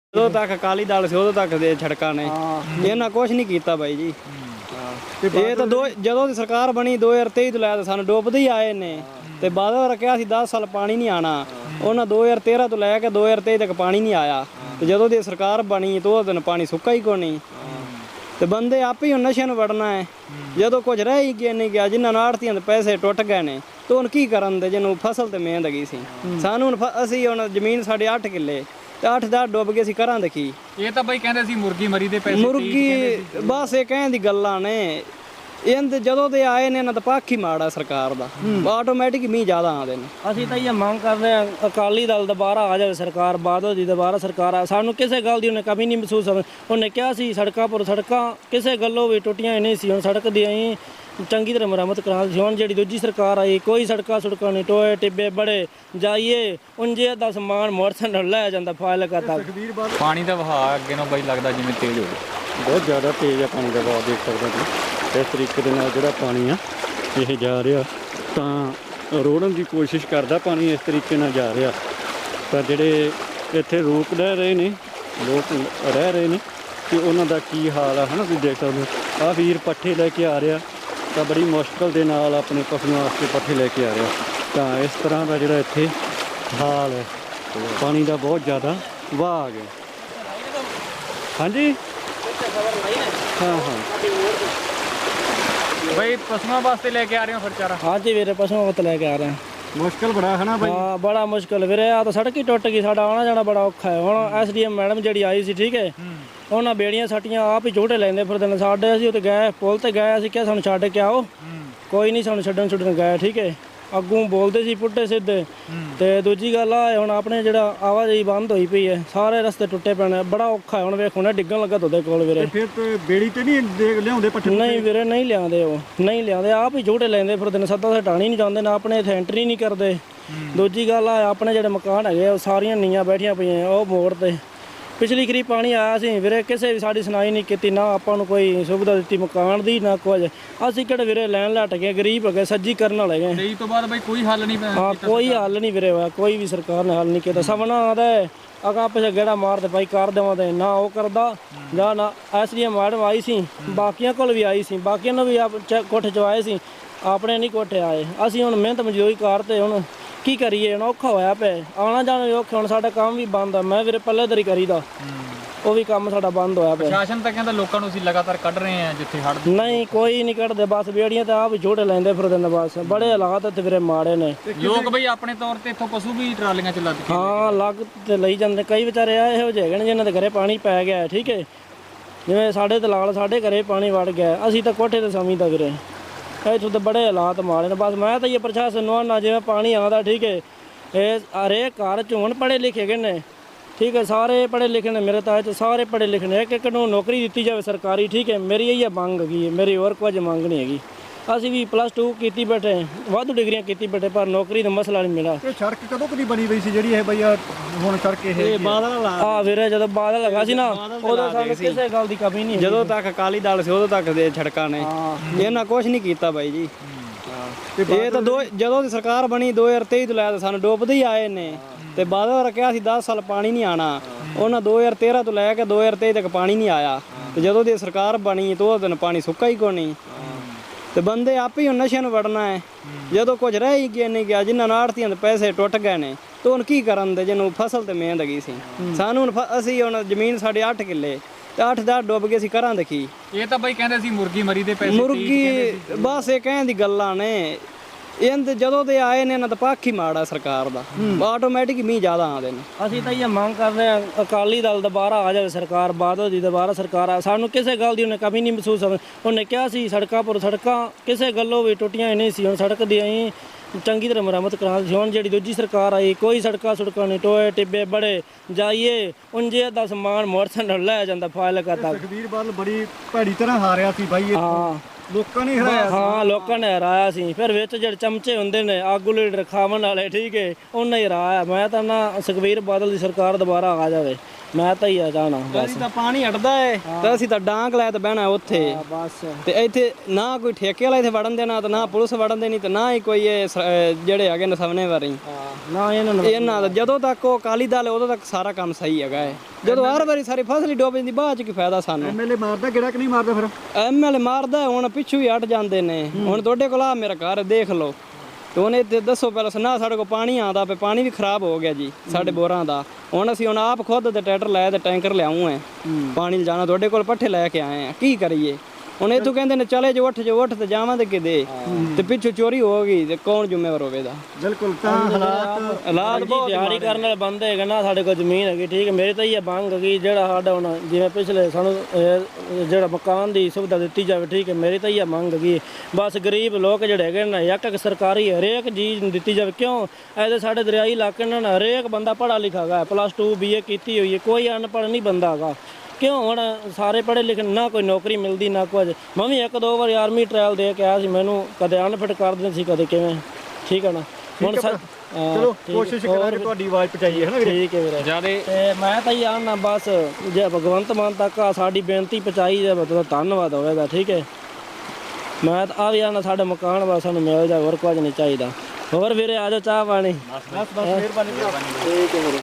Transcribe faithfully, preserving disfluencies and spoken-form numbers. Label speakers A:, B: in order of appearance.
A: उदों तक अकाली दल से उदों तक दे सड़कां ने इन्हां कुछ नहीं कीता बाई जी। ये तो दो जदों दी सरकार बनी दो हज़ार तेई तो लै सानूं डुबदे ही आए ने ते बादल रखिया सी दस साल पानी नहीं आना उन्हां दो हज़ार तेरह तो लैके दो हज़ार तेई तक पानी नहीं आया ते जदों दी सरकार बनी तो उस दिन पानी सुक्का ही कोनी ते बंदे आपे ही नशे नूं वड़ना है। जदों कुछ रह ही गया नहीं गया जिन्हां नूं आड़तियां दे पैसे टुट गए ने तो हुण की करन दे जिन्हों फसल ते मेहनत गई सी सानूं हुण असीं हुण जमीन साडे अठ किੱਲੇ ਤੇ ਅੱਠ ਦਾ ਡੁੱਬ ਗਏ ਸੀ ਕਰਾਂ ਦੇਖੀ।
B: ਇਹ ਤਾਂ ਬਈ ਕਹਿੰਦੇ ਸੀ ਮੁਰਗੀ ਮਰੀ ਦੇ ਪੈਸੇ
A: ਮੁਰਗੀ ਬਸ ਇਹ ਕਹਿਣ ਦੀ ਗੱਲਾਂ ਨੇ ਇਹਦੇ ਜਦੋਂ ਦੇ ਆਏ ਨੇ ਇਹਨਾਂ ਦਾ ਪੱਖ ਹੀ ਮਾੜਾ ਸਰਕਾਰ ਦਾ ਆਟੋਮੈਟਿਕ ਮੀਂਹ ਜ਼ਿਆਦਾ ਆਉਂਦੇ ਨੇ।
C: ਅਸੀਂ ਤਾਂ ਇਹ ਮੰਗ ਕਰਦੇ ਹਾਂ ਅਕਾਲੀ ਦਲ ਦੁਬਾਰਾ ਆ ਜਾਵੇ ਸਰਕਾਰ ਬਾਦਲ ਦੀ ਦੁਬਾਰਾ ਸਰਕਾਰ ਆ ਸਾਨੂੰ ਕਿਸੇ ਗੱਲ ਦੀ ਉਹਨੇ ਕਮੀ ਨਹੀਂ ਮਹਿਸੂਸ ਹੋਵੇ। ਉਹਨੇ ਕਿਹਾ ਸੀ ਸੜਕਾਂ ਪਰ ਸੜਕਾਂ ਕਿਸੇ ਗੱਲੋਂ ਵੀ ਟੁੱਟੀਆਂ ਹੀ ਨਹੀਂ ਸੀ ਹੁਣ ਸੜਕ ਦੀ ਅਸੀਂ ਚੰਗੀ ਤਰ੍ਹਾਂ ਮੁਰੰਮਤ ਕਰਾ ਸੀ। ਹੁਣ ਜਿਹੜੀ ਦੂਜੀ ਸਰਕਾਰ ਆਈ ਕੋਈ ਸੜਕਾਂ ਸੁੜਕਾਂ ਨਹੀਂ ਟੋਏ ਟਿੱਬੇ ਬੜੇ ਜਾਈਏ ਉਂਝੇ ਦਾ ਸਮਾਨ ਮੋਟਰਸਾਈਕਲ ਲੈ ਜਾਂਦਾ ਫਾਇਲ ਕਰਦਾ।
B: ਪਾਣੀ ਦਾ ਵਹਾਅ ਅੱਗੇ ਨੂੰ ਬਈ ਲੱਗਦਾ ਜਿਵੇਂ ਤੇਜ਼ ਹੋ ਗਿਆ
D: ਬਹੁਤ ਜ਼ਿਆਦਾ ਤੇਜ਼ ਆ ਪਾਣੀ ਦਾ ਵਹਾਅ ਦੇਖ ਸਕਦੇ ਤੁਸੀਂ। ਇਸ ਤਰੀਕੇ ਦੇ ਨਾਲ ਜਿਹੜਾ ਪਾਣੀ ਆ ਇਹ ਜਾ ਰਿਹਾ ਤਾਂ ਰੋੜਨ ਦੀ ਕੋਸ਼ਿਸ਼ ਕਰਦਾ ਪਾਣੀ ਇਸ ਤਰੀਕੇ ਨਾਲ ਜਾ ਰਿਹਾ ਪਰ ਜਿਹੜੇ ਇੱਥੇ ਰੋਕ ਰਹਿ ਰਹੇ ਨੇ ਲੋਕ ਰਹਿ ਰਹੇ ਨੇ ਕਿ ਉਹਨਾਂ ਦਾ ਕੀ ਹਾਲ ਆ ਹੈ ਨਾ ਤੁਸੀਂ ਦੇਖ ਸਕਦੇ ਹੋ। ਆਹ ਵੀਰ ਪੱਠੇ ਲੈ ਕੇ ਆ ਰਿਹਾ ਤਾਂ ਬੜੀ ਮੁਸ਼ਕਲ ਦੇ ਨਾਲ ਆਪਣੇ ਪਸ਼ੂਆਂ ਵਾਸਤੇ ਪੱਠੇ ਲੈ ਕੇ ਆ ਰਿਹਾ ਤਾਂ ਇਸ ਤਰ੍ਹਾਂ ਦਾ ਜਿਹੜਾ ਇੱਥੇ ਹਾਲ ਹੈ ਪਾਣੀ ਦਾ ਬਹੁਤ ਜ਼ਿਆਦਾ ਵਹਾਅ ਆ ਗਿਆ। ਹਾਂਜੀ ਹਾਂ ਹਾਂ
B: ਬਈ ਪਸ਼ੂਆਂ ਵਾਸਤੇ ਲੈ ਕੇ ਆ ਰਹੇ ਹੋ ਫਿਰ ਚਾਰਾ।
C: ਹਾਂਜੀ ਵੀਰੇ ਪਸ਼ੂਆਂ ਵਾਸਤੇ ਲੈ ਕੇ ਆ ਰਹੇ ਹਾਂ।
D: ਮੁਸ਼ਕਲ ਬੜਾ ਹੈ ਨਾ ਬਾਈ।
C: ਹਾਂ ਬੜਾ ਮੁਸ਼ਕਲ ਵੀਰੇ ਆ ਤਾਂ ਸੜਕ ਹੀ ਟੁੱਟ ਗਈ ਸਾਡਾ ਆਉਣਾ ਜਾਣਾ ਬੜਾ ਔਖਾ ਹੈ। ਹੁਣ ਐਸ ਡੀ ਐਮ ਮੈਡਮ ਜਿਹੜੀ ਆਈ ਸੀ ਠੀਕ ਹੈ ਉਹਨਾਂ ਬੇੜੀਆਂ ਸੱਟੀਆਂ ਆਪ ਹੀ ਝੂਟੇ ਲੈਂਦੇ ਫਿਰਦੇ ਨੇ ਸਾਡੇ ਅਸੀਂ ਉੱਤੇ ਗਏ ਪੁੱਲ ਤੇ ਗਏ ਅਸੀਂ ਕਿਹਾ ਸਾਨੂੰ ਛੱਡ ਕੇ ਆਓ ਕੋਈ ਨਹੀਂ ਸਾਨੂੰ ਛੱਡਣ ਛੱਡਣ ਗਏ ਠੀਕ ਹੈ ਅੱਗੋਂ ਬੋਲਦੇ ਸੀ ਪੁੱਟੇ ਸਿੱਧੇ ਤੇ ਦੂਜੀ ਗੱਲ ਆ ਹੁਣ ਆਪਣੇ ਜਿਹੜਾ ਆਵਾਜਾਈ ਬੰਦ ਹੋਈ ਪਈ ਹੈ ਸਾਰੇ ਰਸਤੇ ਟੁੱਟੇ ਪਏ ਨੇ ਬੜਾ ਔਖਾ ਹੈ ਹੁਣ ਵੇਖੋ ਨਾ ਡਿੱਗਣ ਲੱਗਾ ਤੁਹਾਡੇ ਕੋਲ ਵੀਰੇ।
D: ਫਿਰ ਤੇ ਬੇੜੀ ਤੇ ਨਹੀਂ ਲਿਆਉਂਦੇ ਪੱਠੇ?
C: ਨਹੀਂ ਵੀਰੇ ਨਹੀਂ ਲਿਆਉਂਦੇ ਉਹ ਨਹੀਂ ਲਿਆਉਂਦੇ ਆਪ ਹੀ ਝੂਟੇ ਲੈਂਦੇ ਫਿਰਦੇ ਨੇ ਸੱਦਾ ਸਟਾਣੀ ਨਹੀਂ ਜਾਂਦੇ ਨਾ ਆਪਣੇ ਇੱਥੇ ਐਂਟਰੀ ਨਹੀਂ ਕਰਦੇ। ਦੂਜੀ ਗੱਲ ਆ ਆਪਣੇ ਜਿਹੜੇ ਮਕਾਨ ਹੈਗੇ ਉਹ ਸਾਰੀਆਂ ਨੀਆਂ ਬੈਠੀਆਂ ਪਈਆਂ ਉਹ ਮੋੜ ਤੇ ਪਿਛਲੀ ਖਰੀ ਪਾਣੀ ਆਇਆ ਸੀ ਵੀਰੇ ਕਿਸੇ ਵੀ ਸਾਡੀ ਸੁਣਾਈ ਨਹੀਂ ਕੀਤੀ ਨਾ ਆਪਾਂ ਨੂੰ ਕੋਈ ਸੁਵਿਧਾ ਦਿੱਤੀ ਮਕਾਨ ਦੀ ਨਾ ਕੁਝ। ਅਸੀਂ ਕਿਹੜੇ ਵੀਰੇ ਲੈਣ ਲੱਟ ਗਏ ਗਰੀਬ ਹੈਗੇ ਸੱਜੀ ਕਰਨ ਵਾਲੇ ਗਏ
B: ਤੇਈ ਤੋਂ ਬਾਅਦ ਬਈ ਕੋਈ ਹੱਲ ਨਹੀਂ
C: ਹਾਂ ਕੋਈ ਹੱਲ ਨਹੀਂ ਵੀਰੇ ਹੋਇਆ ਕੋਈ ਵੀ ਸਰਕਾਰ ਨੇ ਹੱਲ ਨਹੀਂ ਕੀਤਾ। ਸਭਨਾ ਆਦਾ ਅਗਾ ਪਿਛੇ ਗੇੜਾ ਮਾਰਦੇ ਭਾਈ ਕਰ ਦੇਵਾਂਦੇ ਨਾ ਉਹ ਕਰਦਾ ਜਾਂ ਨਾ S D M madam I see ਬਾਕੀਆਂ ਕੋਲ ਵੀ ਆਈ ਸੀ ਬਾਕੀਆਂ ਨੂੰ ਵੀ ਆਪ ਕੋਠੇ ਚਵਾਏ ਸੀ ਆਪਣੇ ਨਹੀਂ ਕੋਠੇ ਆਏ। ਅਸੀਂ ਹੁਣ ਮਿਹਨਤ ਮਜ਼ਦੂਰੀ ਕਰਦੇ ਹੁਣ ਕੀ ਕਰੀਏ ਹੁਣ ਔਖਾ ਹੋਇਆ ਪਿਆ ਆਉਣਾ ਜਾਣਾ ਵੀ ਔਖਾ ਹੁਣ ਸਾਡਾ ਕੰਮ ਵੀ ਬੰਦ ਆ। ਮੈਂ ਵੀਰੇ ਪੱਲੇਦਾਰੀ ਕਰੀਦਾ ਉਹ ਵੀ ਕੰਮ ਸਾਡਾ ਬੰਦ ਹੋਇਆ ਪਿਆ।
B: ਪ੍ਰਸ਼ਾਸਨ ਤਾਂ ਕਹਿੰਦਾ ਲੋਕਾਂ ਨੂੰ ਅਸੀਂ ਲਗਾਤਾਰ ਕੱਢ ਰਹੇ ਹਾਂ ਜਿੱਥੇ ਹੜ੍ਹ
C: ਨਹੀਂ ਕੋਈ ਨਹੀਂ ਕੱਢਦੇ ਬਸ ਬੇੜੀਆਂ ਤਾਂ ਆਪ ਝੂਟੇ ਲੈਂਦੇ ਫਿਰਦੇ ਨੇ ਬਸ ਬੜੇ ਹਾਲਾਤ ਇੱਥੇ ਵੀਰੇ ਮਾੜੇ ਨੇ।
B: ਲੋਕ ਬਈ ਆਪਣੇ ਤੌਰ ਤੇ ਇੱਥੋਂ ਪਸ਼ੂ ਵੀ ਟਰਾਲੀਆਂ ਚ ਲੱਦ ਕੇ
C: ਹਾਂ ਲੱਗ ਤੇ ਲਈ ਜਾਂਦੇ ਕਈ ਵਿਚਾਰੇ ਆ ਇਹੋ ਜਿਹੇ ਹੈਗੇ ਨੇ ਜਿਹਨਾਂ ਦੇ ਘਰੇ ਪਾਣੀ ਪੈ ਗਿਆ ਠੀਕ ਹੈ ਜਿਵੇਂ ਸਾਡੇ ਦਲਾਲ ਸਾਡੇ ਘਰੇ ਪਾਣੀ ਵੜ ਗਿਆ ਅਸੀਂ ਤਾਂ ਕੋਠੇ ਤੇ ਸਮਝਦਾ ਵੀਰੇ ਇੱਥੋਂ ਤਾਂ ਬੜੇ ਹਾਲਾਤ ਮਾੜੇ ਨੇ। ਬਸ ਮੈਂ ਤਾਂ ਇਹ ਪ੍ਰਸ਼ਾਸਨ ਨੂੰ ਆਉਣਾ ਜਿਵੇਂ ਪਾਣੀ ਆਉਂਦਾ ਠੀਕ ਹੈ ਇਹ ਹਰੇਕ ਘਰ 'ਚ ਹੁਣ ਪੜ੍ਹੇ ਲਿਖੇ ਗਏ ਨੇ ਠੀਕ ਹੈ ਸਾਰੇ ਪੜ੍ਹੇ ਲਿਖੇ ਨੇ ਮੇਰੇ ਤਾਂ ਇਹ 'ਚ ਸਾਰੇ ਪੜ੍ਹੇ ਲਿਖੇ ਨੇ ਇੱਕ ਇੱਕ ਨੂੰ ਨੌਕਰੀ ਦਿੱਤੀ ਜਾਵੇ ਸਰਕਾਰੀ ਠੀਕ ਹੈ ਮੇਰੀ ਇਹ ਮੰਗ ਹੈਗੀ ਹੈ ਮੇਰੀ ਹੋਰ ਕੁਝ ਮੰਗ ਨਹੀਂ ਹੈਗੀ। ਅਸੀਂ ਵੀ ਪਲੱਸ ਟੂ ਕੀਤੀ ਬੈਠੇ ਵਾਧੂ ਡਿਗਰੀਆਂ ਕੀਤੀ ਬੈਠੇ ਪਰ ਨੌਕਰੀ ਦਾ ਮਸਲਾ ਨਹੀਂ ਮਿਲਿਆ।
D: ਇਹ ਸੜਕ ਕਦੋਂ ਕਦੀ ਬਣੀ ਪਈ ਸੀ ਜਿਹੜੀ ਇਹ ਬਈ ਹੁਣ ਸੜਕ ਇਹ
A: ਬਾਦਲ
C: ਆ ਵੀਰੇ ਜਦੋਂ ਬਾਦਲ ਲੱਗਾ ਸੀ ਨਾ ਉਦੋਂ ਸਾਨੂੰ ਕਿਸੇ ਗੱਲ ਦੀ ਕਮੀ ਨਹੀਂ
A: ਜਦੋਂ ਤੱਕ ਅਕਾਲੀ ਦਲ ਸੀ ਉਦੋਂ ਤੱਕ ਦੇ ਸੜਕਾਂ ਨੇ ਇਹਨਾਂ ਕੁਛ ਨਹੀਂ ਕੀਤਾ ਬਾਈ ਜੀ। ਇਹ ਤਾਂ ਦੋ ਜਦੋਂ ਦੀ ਸਰਕਾਰ ਬਣੀ ਦੋ ਹਜ਼ਾਰ ਤੇਈ ਤੋਂ ਲੈ ਸਾਨੂੰ ਡੁਬਦੇ ਹੀ ਆਏ ਨੇ ਤੇ ਬਾਦਲ ਰੱਖਿਆ ਸੀ ਦਸ ਸਾਲ ਪਾਣੀ ਨਹੀਂ ਆਣਾ ਉਹਨਾਂ ਦੋ ਹਜ਼ਾਰ ਤੇਰ੍ਹਾਂ ਤੋਂ ਲੈ ਕੇ ਦੋ ਹਜ਼ਾਰ ਤੇਈ ਤੱਕ ਪਾਣੀ ਨਹੀਂ ਆਇਆ ਤੇ ਜਦੋਂ ਦੀ ਸਰਕਾਰ ਬਣੀ ਤੋਂ ਉਸ ਦਿਨ ਪਾਣੀ ਸੁੱਕਾ ਹੀ ਕੋਨੀ ਤੇ ਬੰਦੇ ਆਪੇ ਹੀ ਨਸ਼ੇ ਨੂੰ ਵੜਨਾ ਹੈ। ਜਦੋਂ ਕੁਝ ਰਹਿ ਹੀ ਗਿਆ ਨਹੀਂ ਗਿਆ ਜਿਨ੍ਹਾਂ ਨੂੰ ਆੜਤੀਆਂ ਦੇ ਪੈਸੇ ਟੁੱਟ ਗਏ ਨੇ ਤੇ ਹੁਣ ਕੀ ਕਰਨ ਦੇ ਜਿਹਨੂੰ ਫਸਲ ਤੇ ਮਿਹਨਤ ਗਈ ਸੀ ਸਾਨੂੰ ਹੁਣ ਅਸੀਂ ਹੁਣ ਜ਼ਮੀਨ ਸਾਡੇ ਅੱਠ ਕਿੱਲੇ ਤੇ ਅੱਠ ਦਾ ਡੁੱਬ ਗਏ ਸੀ ਕਰਾਂ ਦੇਖੀ।
B: ਇਹ ਤਾਂ ਬਈ ਕਹਿੰਦੇ ਸੀ ਮੁਰਗੀ ਮਰੀ ਦੇ ਪੈਸੇ
A: ਮੁਰਗੀ ਬਸ ਇਹ ਕਹਿਣ ਦੀ ਗੱਲਾਂ ਨੇ ਇਹਦੇ ਜਦੋਂ ਦੇ ਆਏ ਨੇ ਇਹਨਾਂ ਦਾ ਪੱਖ ਹੀ ਮਾੜਾ ਸਰਕਾਰ ਦਾ ਆਟੋਮੈਟਿਕ ਮੀਂਹ ਜ਼ਿਆਦਾ ਆਉਂਦੇ ਨੇ।
C: ਅਸੀਂ ਤਾਂ ਇਹ ਮੰਗ ਕਰਦੇ ਹਾਂ ਅਕਾਲੀ ਦਲ ਦੁਬਾਰਾ ਆ ਜਾਵੇ ਸਰਕਾਰ ਬਾਦਲ ਦੀ ਦੁਬਾਰਾ ਸਰਕਾਰ ਆ ਸਾਨੂੰ ਕਿਸੇ ਗੱਲ ਦੀ ਉਹਨੇ ਕਮੀ ਨਹੀਂ ਮਹਿਸੂਸ ਹੋਵੇ। ਉਹਨੇ ਕਿਹਾ ਸੀ ਸੜਕਾਂ ਪਰ ਸੜਕਾਂ ਕਿਸੇ ਗੱਲੋਂ ਵੀ ਟੁੱਟੀਆਂ ਹੀ ਨਹੀਂ ਸੀ ਹੁਣ ਸੜਕ ਦੀ ਅਸੀਂ ਚੰਗੀ ਤਰ੍ਹਾਂ ਮੁਰੰਮਤ ਕਰਾ ਸੀ। ਹੁਣ ਜਿਹੜੀ ਦੂਜੀ ਸਰਕਾਰ ਆਈ ਕੋਈ ਸੜਕਾਂ ਸੁੜਕਾਂ ਨਹੀਂ ਟੋਏ ਟਿੱਬੇ ਬੜੇ ਜਾਈਏ ਉਂਝੇ ਦਾ ਸਮਾਨ ਮੋਟਰਸਾਈਕਲ ਲੈ ਜਾਂਦਾ ਫਾਇਲ ਕਰਦਾ।
D: ਤਕਦੀਰ ਵੱਲ ਬੜੀ ਭੈੜੀ ਤਰ੍ਹਾਂ ਹਾਰਿਆ ਸੀ ਬਾਈ
C: ਹਾਂ
D: ਲੋਕਾਂ ਨੇ ਹਰਾਇਆ
C: ਹਾਂ ਲੋਕਾਂ ਨੇ ਹਰਾਇਆ ਸੀ ਫਿਰ ਵਿੱਚ ਜਿਹੜੇ ਚਮਚੇ ਹੁੰਦੇ ਨੇ ਆਗੂ ਲੀਡਰ ਖਾਵਣ ਵਾਲੇ ਠੀਕ ਹੈ ਉਹਨਾਂ ਹੀ ਹਰਾਇਆ। ਮੈਂ ਤਾਂ ਨਾ ਸੁਖਬੀਰ ਬਾਦਲ ਦੀ ਸਰਕਾਰ ਦੁਬਾਰਾ ਆ ਜਾਵੇ ਮੈਂ ਤਾਂ ਹੀ ਆ ਜਾਣਾ ਬਸ
A: ਅਸੀਂ ਤਾਂ ਪਾਣੀ ਹਟਦਾ ਏ ਤੇ ਅਸੀਂ ਤਾਂ ਡਾਂਗ ਲੈ ਤੇ ਬਹਿਣਾ ਉੱਥੇ
C: ਬਸ
A: ਤੇ ਇੱਥੇ ਨਾ ਕੋਈ ਠੇਕੇ ਵਾਲਾ ਇੱਥੇ ਵੜਨ ਦੇਣਾ ਤੇ ਨਾ ਪੁਲਿਸ ਵੜਨ ਦੇਣੀ ਤੇ ਨਾ ਹੀ ਕੋਈ ਇਹ ਸ- ਅਹ ਜਿਹੜੇ ਹੈਗੇ ਨੇ ਸਵਨੇ ਵਾਰੀ
C: ਨਾ ਇਹਨਾਂ ਨੂੰ
A: ਇਹਨਾਂ ਦਾ ਜਦੋਂ ਤੱਕ ਉਹ ਅਕਾਲੀ ਦਲ ਹੈ, ਉਦੋਂ ਤੱਕ ਸਾਰਾ ਕੰਮ ਸਹੀ ਹੈਗਾ ਹੈ। ਜਦੋਂ ਹਰ ਵਾਰੀ ਸਾਰੀ ਫਸਲ ਹੀ ਡੁੱਬ ਜਾਂਦੀ ਬਾਅਦ ਚ ਕੀ ਫਾਇਦਾ ਸਾਨੂੰ।
D: ਐਮਐਲਏ ਮਾਰਦਾ ਕਿਹੜਾ ਕਿ ਨਹੀਂ ਮਾਰਦਾ ਫਿਰ?
A: ਐਮਐਲਏ ਮਾਰਦਾ ਹੁਣ ਪਿੱਛੂ ਹੀ ਹਟ ਜਾਂਦੇ ਨੇ। ਹੁਣ ਤੁਹਾਡੇ ਕੋਲ ਆ ਮੇਰਾ ਘਰ ਦੇਖ ਲਓ ਤੇ ਉਹਨੇ ਤੇ ਦੱਸੋ ਪਹਿਲਾਂ ਨਾ ਸਾਡੇ ਕੋਲ ਪਾਣੀ ਆਉਂਦਾ ਪਿਆ, ਪਾਣੀ ਵੀ ਖਰਾਬ ਹੋ ਗਿਆ ਜੀ ਸਾਡੇ ਬੋਰਾਂ ਦਾ। ਹੁਣ ਅਸੀਂ ਹੁਣ ਆਪ ਖੁਦ ਤੇ ਟਰੈਕਟਰ ਲਾਇਆ ਤੇ ਟੈਂਕਰ ਲਿਆਉਂ ਹੈ ਪਾਣੀ ਲਿਜਾਣਾ, ਤੁਹਾਡੇ ਕੋਲ ਪੱਠੇ ਲੈ ਕੇ ਆਏ ਆ, ਕੀ ਕਰੀਏ ਹੁਣ? ਇੱਥੋਂ ਕਹਿੰਦੇ ਨੇ ਚਲੇ ਜੋ ਉੱਠ ਜੋ ਉੱਠ ਤੇ ਜਾਵਾਂਗੇ ਕਿਤੇ ਤੇ ਪਿੱਛੋਂ ਚੋਰੀ ਹੋ ਗਈ ਤੇ ਕੌਣ ਜ਼ਿੰਮੇਵਾਰ ਹੋਵੇਗਾ?
D: ਬਿਲਕੁਲ ਤਾਂ ਹਾਲਾਤ
A: ਹਾਲਾਤ ਬਹੁਤ
C: ਤਿਆਰੀ ਕਰਨ ਵਾਲੇ ਬੰਦੇ ਹੈਗੇ ਨਾ, ਸਾਡੇ ਕੋਲ ਜ਼ਮੀਨ ਹੈਗੀ ਠੀਕ ਹੈ। ਮੇਰੇ ਤਾਂ ਇਹ ਮੰਗ ਹੈਗੀ ਜਿਹੜਾ ਸਾਡਾ ਹੁਣ ਜਿਵੇਂ ਪਿਛਲੇ ਸਾਨੂੰ ਇਹ ਜਿਹੜਾ ਮਕਾਨ ਦੀ ਸੁਵਿਧਾ ਦਿੱਤੀ ਜਾਵੇ ਠੀਕ ਹੈ। ਮੇਰੀ ਤਾਂ ਇਹ ਮੰਗ ਹੈਗੀ ਬਸ ਗਰੀਬ ਲੋਕ ਜਿਹੜੇ ਹੈਗੇ ਨਾ ਇੱਕ ਇੱਕ ਸਰਕਾਰੀ ਹਰੇਕ ਚੀਜ਼ ਨੂੰ ਦਿੱਤੀ ਜਾਵੇ। ਕਿਉਂ ਐਦੇ ਸਾਡੇ ਦਰਿਆਈ ਇਲਾਕੇ ਨਾਲ ਨਾ ਹਰੇਕ ਬੰਦਾ ਪੜ੍ਹਾ ਲਿਖਾ ਹੈਗਾ, ਪਲੱਸ ਟੂ ਬੀ ਏ ਕੀਤੀ ਹੋਈ ਹੈ, ਕੋਈ ਅਨਪੜ੍ਹ ਨਹੀਂ ਬੰਦਾ ਹੈਗਾ। ਕਿਉਂ ਹੁਣ ਸਾਰੇ ਪੜ੍ਹੇ ਲਿਖੇ ਨਾ ਕੋਈ ਨੌਕਰੀ ਮਿਲਦੀ ਨਾ ਕੁਝ। ਮੈਂ ਵੀ ਇੱਕ ਦੋ ਵਾਰੀ ਆਰਮੀ ਟ੍ਰਾਇਲ ਦੇ ਕੇ ਆਇਆ ਸੀ, ਮੈਨੂੰ ਕਦੇ ਅਨਫਿਟ ਕਰ ਦਿੰਦੇ ਸੀ ਕਦੇ ਕਿਵੇਂ, ਠੀਕ ਹੈ ਨਾ। ਹੁਣ ਸਰ
D: ਚਲੋ ਕੋਸ਼ਿਸ਼ ਕਰਾਂਗੇ ਤੁਹਾਡੀ ਆਵਾਜ਼ ਪਹੁੰਚਾਈਏ ਹੈ ਨਾ ਵੀਰੇ?
C: ਠੀਕ ਹੈ ਵੀਰੇ।
B: ਜਿਆਦੇ
C: ਤੇ ਮੈਂ ਤਾਂ ਇਹ ਆਣਾ ਬਸ ਜੇ ਭਗਵੰਤ ਮਾਨ ਤੱਕ ਆ ਸਾਡੀ ਬੇਨਤੀ ਪਹੁੰਚਾਈ ਜਾਵੇ ਤਾਂ ਧੰਨਵਾਦ ਹੋਵੇਗਾ ਠੀਕ ਹੈ। ਮੈਂ ਤਾਂ ਆ ਵੀ ਆਣਾ ਸਾਡੇ ਮਕਾਨ ਬਸ ਸਾਨੂੰ ਮਿਲ ਜਾ, ਹੋਰ ਕੁਝ ਨਹੀਂ ਚਾਹੀਦਾ। ਹੋਰ ਵੀਰੇ ਆ ਜਾਓ ਚਾਹ ਪਾਣੀ।
D: ਬਸ ਬਸ ਮਿਹਰਬਾਨੀ।
C: ਠੀਕ ਹੈ ਵੀਰੇ।